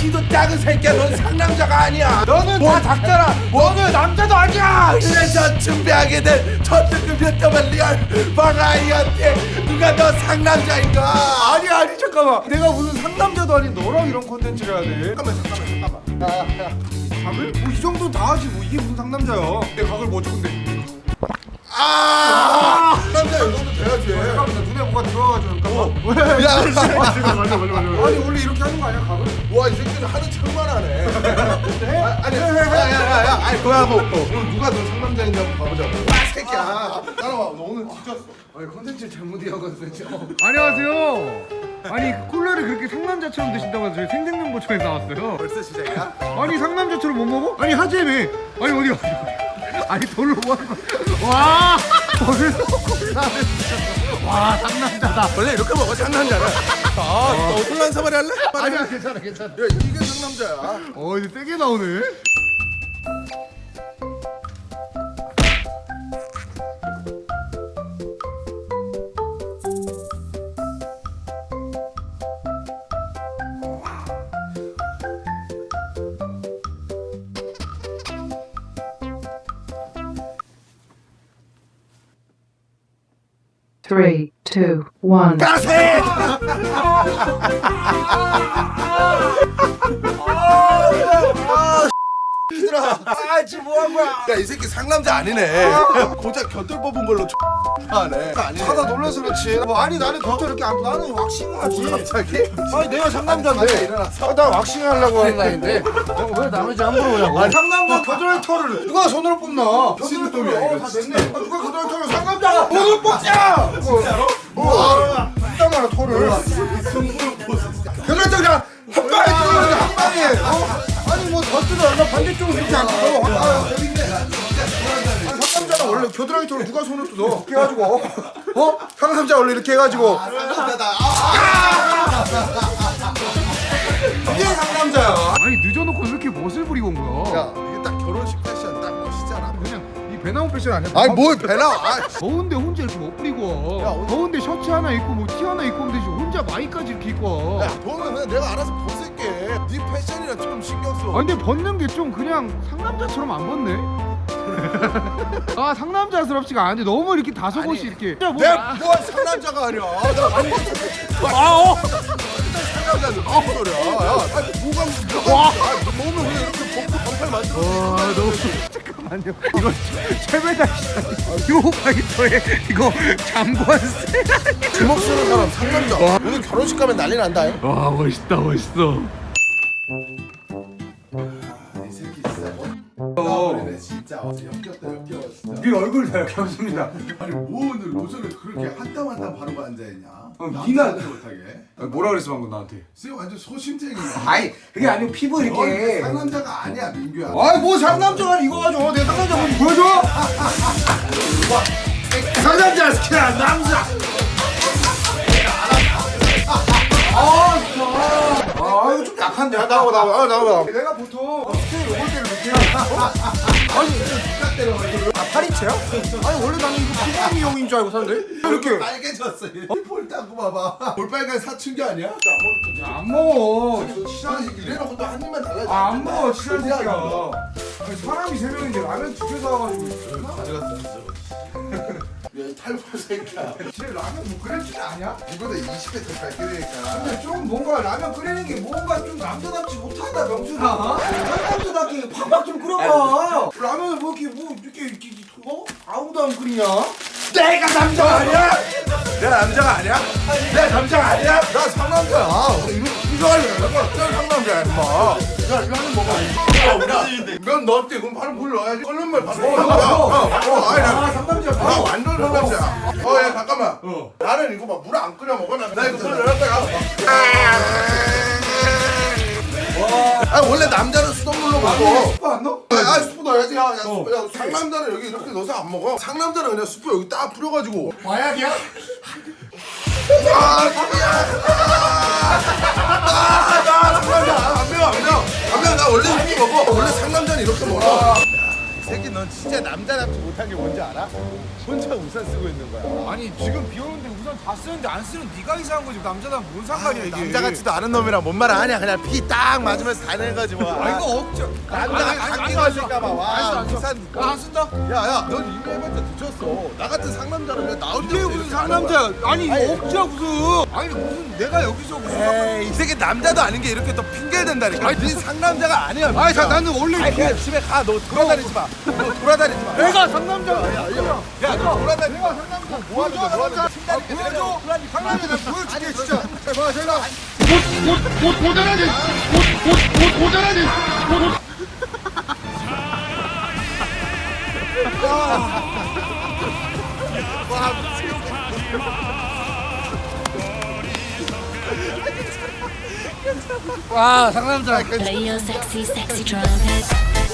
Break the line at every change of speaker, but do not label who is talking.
키도 작은 새끼야. 넌 상남자가 아니야.
너는 다 작잖아. 너는 남자도 아니야.
그래서 준비하게 된 첫 특급 유튜버 리얼 버라이어티. 누가 너 상남자인가?
아니 잠깐만. 내가 무슨 상남자도 아닌 너랑 이런 콘텐츠를 해야 돼.
잠깐만.
각을? 뭐 이 정도 다 하지 뭐 이게 무슨 상남자야. 내 각을 뭐 어쩌건데.
남자 이거도 돼야지.
잠깐만 나 눈에 뭐가 들어와가지고 잠깐만.
야,
맞아. 아니 원래 이렇게 하는 거 아니야 각을?
와, 이 새끼는 하는 척만 하네. 아니, 야, 아니, 그거야 뭐. 오늘 누가 너 상남자인지 한번 봐보자고. 새끼야. 따라와. 너 오늘 뒤졌어.
아니 콘텐츠 잘못 이어가지고. 안녕하세요. 아니 콜라를 그렇게 상남자처럼 드신다고 해서 저희 생생정보청에서 나왔어요.
벌써 시작이야?
아니 상남자처럼 못 먹어? 아니 하재매. 아니 어디 아니 돌로 뭐 하는 거야? 와 벌써 콜라를 드셨어. 와 상남자다.
원래 이렇게 먹어, 상남자는. 너 혼란 사발이 할래?
아니야 괜찮아.
야, 이게 상남자야.
이제 세게 나오네.
Three, two, one.
따세! 얘들아,
지금 뭐 한 거야?
야, 이 새끼 상남자 아니네. 고작 곁들 뽑은 걸로 하네. 아니네.
하다 놀라서 그렇지. 뭐 아니 나는 겉을 이렇게 안 나는 왁싱하지.
갑자기?
아니 내가 상남자인데.
일어났어.
나 왁싱 하려고 하는 나인데. 왜 남의 집안 물어보냐고. 상남자 겨드랑이 털을 누가 손으로 뽑나?
신동이야, 이거.
다 됐네. 누가 겨드랑이 털을 상남자가 손으로 뽑자. 진짜로? 이따만 털을. 겨드랑이 털 그냥 한 방에 뚫는데 한 방에. 아니 뭐 겉으로 얼마 반대쪽으로 이렇게 안 뜯어. 상남자는 원래 겨드랑이 털을 누가 손으로 뜯어? 이렇게 해가지고 상남자 원래 이렇게 해가지고 이게 상남자야. 아니 늦어놓고 왜 이렇게 멋을 부리고 온 거야?
야, 이게 딱 결혼식 패션 딱 멋있잖아.
그냥 이 배나무 패션 아니야?
아니, 뭘 배나? 아,
더운데 혼자 이렇게 못 부리고
야,
와.
오늘-
더운데 셔츠 하나 입고 뭐 티 하나 입고 오면 되지 혼자 마이까지 이렇게 입고 와.
야, 돈은 내가 알아서 벗을게. 네 패션이랑 좀 신경 써.
아 근데 벗는 게 좀 그냥 상남자처럼 안 벗네. 아 상남자스럽지가 않은데 너무 이렇게 다소곳이 이렇게. 야, 뭐,
내가 뭐 상남자가 아니야. 나 완전 상남자는 무슨 소리야? 야, 아니, 뭐가
와.
몸을 그냥 이렇게 벗고 반팔 만들어.
와 너무 잠깐만요. 이거 최배다 요 파이터에 이거 장관세.
주먹 쓰는 사람 상남자. 오늘 결혼식 가면 난리 난다.
와 멋있다 멋있어.
이 새끼 진짜 진짜 역겹다 역겨워 진짜.
네 얼굴 다 이렇게 없습니다.
아니 뭐 오늘 로션을 그렇게 한 땀 한 땀 바르고 앉아있냐?
니나-
못하게.
뭐라 그랬어 방금 나한테?
쟤 완전 소심쟁이야.
아니 그게 아니고 피부
넌 상남자가 아니야 민규야.
아이 뭐 상남자가 이거 가지고 내가 상남자 한번 보여줘. 상남자 스키야 남자. 아 이거 좀 약한데. 나와. 내가 보통 스케일 요걸 때를 이렇게 해야. 아니
누가 때려?
아 파리채야? 아니 원래 나는 이거 피부 미용인 줄 알고 샀는데 이렇게
빨개졌어. 볼 닦고 봐봐. 볼빨간 사춘기 아니야?
안 먹어.
이래놓고 또 한 입만 달라져.
안 먹어 친한 새끼야. 아니, 사람이 세 명인데 라면 두 개 사와가지고.
가져갔다. 야, 탈모 새끼야.
쟤 라면 뭐 끓일 줄 아냐?
이보다 20배 더 밝게되니까.
근데 좀 뭔가 라면 끓이는 게 뭔가 좀 남자답지 못하다 명수가. 남자답게 팍팍 좀 끓여봐. 라면을 뭐 이렇게 아무도 안 끓이냐?
내가 남자가 아니야? 내가 남자가 아니야? 내가 남자가 아니야? 나 상남자야. 이거 할래. 나 상남자야, 임마. 야, 이거 한입 먹어. 면 넣었지? 그럼 바로 물 넣어야지. 끓는 물 바로 넣어. 아니, 나
상남자.
나 완전 상남자야. 야, 잠깐만. 나는 이거 막 물 안 끓여 먹어. 나 이거 물 넣었다가. 아, 원래 남자는 수돗물로 먹어.
스프 안 넣어?
스프 넣어야지. 야, 상남자는 여기 이렇게 넣어서 안 먹어. 상남자는 그냥 스프 여기 딱 뿌려가지고.
마약이야?
나 상남자 안 매워. 나 원래 이렇게 먹어. 원래 상남자는 이렇게 먹어. 이 새끼 너 넌 진짜 남자답지 못한 게 뭔지 알아? 혼자 우산 쓰고 있는 거야.
아니 지금 비 오는데 우산 다 쓰는데 안 쓰는 네가 이상한 거지. 남자랑 뭔 상관이야 이게.
남자 같지도 않은 놈이랑 뭔 말 하냐. 그냥 비 딱 맞으면서 다니는 거지 뭐.
아 이거 억지.
남자가 감기 걸릴까봐. 와 우산.
안 쓴다?
야야 넌 이미 해봤자 늦었어. 나 같은 상남자라면 나 혼자
이게 무슨 상남자야? 아니 이거 억지야 무슨? 아니 무슨 내가 여기서 무슨?
에이 이 새끼 남자도 아닌 게 이렇게 또 핑계를 댄다니까. 아니 네 상남자가 아니야.
아니 자 나는 원래
아니 그냥 집에 가. 너 돌아다니지 마. 너 돌아다니지 마.
내가 상남자야.
야너 돌아다니지 마.
상남자.
뭐 하는 거야? 뭐 하는 거야?
보여줘. 상남자 내가 보여줄게 진짜. 봐 제가. 와 상남자.
Play your sexy, sexy trumpet.